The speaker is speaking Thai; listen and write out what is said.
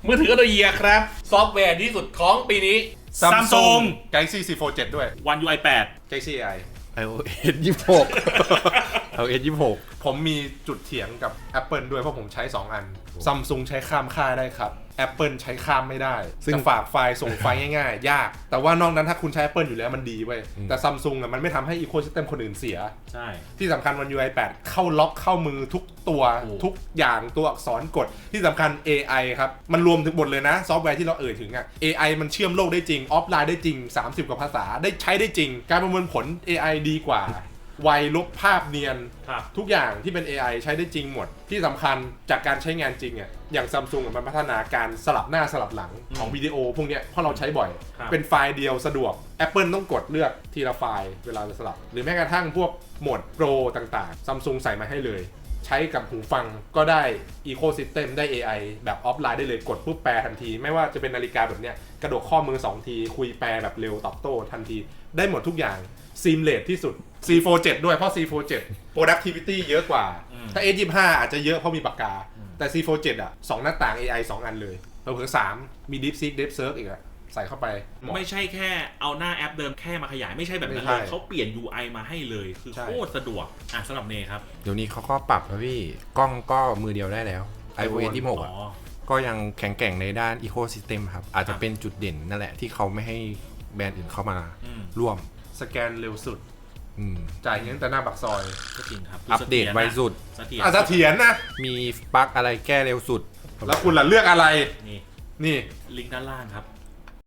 มือถืออันดับเยียครับซอฟต์แวร์ที่สุดของปีนี้ Samsung Galaxy C4 7ด้วย One UI 8 Galaxy AI iOS 26 iOS 26 ผมมีจุดเถียงกับ Apple ด้วยเพราะผมใช้ 2 อัน Samsung ใช้ข้ามค่ายได้ครับ Apple ใช้ข้ามไม่ได้จะฝากไฟล์ส่งไฟล์ง่ายๆ ยาก แต่ว่านอกนั้นถ้าคุณใช้ Apple อยู่แล้วมันดีเว้ยแต่ Samsung มันไม่ทำให้ Ecosystem คนอื่นเสียใช่ที่สำคัญOne UI 8 เข้าล็อกเข้ามือทุกตัวทุกอย่างตัวอักษรกดที่สำคัญ AI ครับ มันรวมถึงหมดเลยนะ ซอฟต์แวร์ที่เราถึงอ่ะ AI มันเชื่อมโลกได้จริง ออฟไลน์ได้จริง 30 กว่าภาษาได้ใช้ได้จริง การประมวลผล AI ดีกว่า ไวลบภาพเนียนครับทุกอย่างที่เป็น AI ใช้ได้จริงหมด ที่สำคัญจากการใช้งานจริงอ่ะอย่าง Samsung มันพัฒนาการสลับหน้าสลับหลังของวิดีโอพวกเนี้ยเพราะเราใช้บ่อย เป็นไฟล์เดียวสะดวก Apple ต้องกดเลือกทีละไฟล์เวลาจะสลับ หรือแม้กระทั่งพวกโหมดโปรต่างๆ Samsung ใส่มาให้เลย ใช้กับหูฟังก็ได้ Ecosystem ได้ AI แบบออฟไลน์ได้เลยกดปุ๊บแปลทันที ไม่ว่าจะเป็นนาฬิกาแบบเนี้ยกระดกข้อมือ2ทีคุยแปลแบบเร็วตอบโต้ทันทีได้หมดทุกอย่าง seamless ที่สุด C4 7ด้วยเพราะ C4 7 productivity เยอะกว่า ถ้า S25 อาจจะเยอะเพราะมีปากกา แต่ C4 7อ่ะ2หน้าต่าง AI 2 อันเลยเพิ่ม3มี DeepSeek DeepSearch อีกอ่ะใส่เข้าไปเหมาะไม่ใช่แค่เอาหน้าแอปเดิมแค่มาขยายไม่ใช่แบบนั้นไม่เลใช่ยเขาเปลี่ยน UI มาให้เลยคือใช่โคตรสะดวกสำหรับเนครับเดี๋ยวนี้เขาก็ปรับแล้วพี่กล้องก็มือเดียวได้แล้ว iOS 26อ่ะก็ยังแข็งแกร่งในด้าน Ecosystem ครับ อาจจะเป็นจุดเด่นนั่นแหละที่เขาไม่ให้แบรนด์อื่นเข้ามาร่วมสแกนเร็วสุดอืมจ่ายเงินแต่หน้าปากซอยก็จริงครับอัปเดตไวสุดเสถียรเสถียรนะมีบั๊กอะไรแก้เร็วสุดแล้วคุณล่ะเลือกอะไรนี่นี่ลิงก์ด้านล่างครับ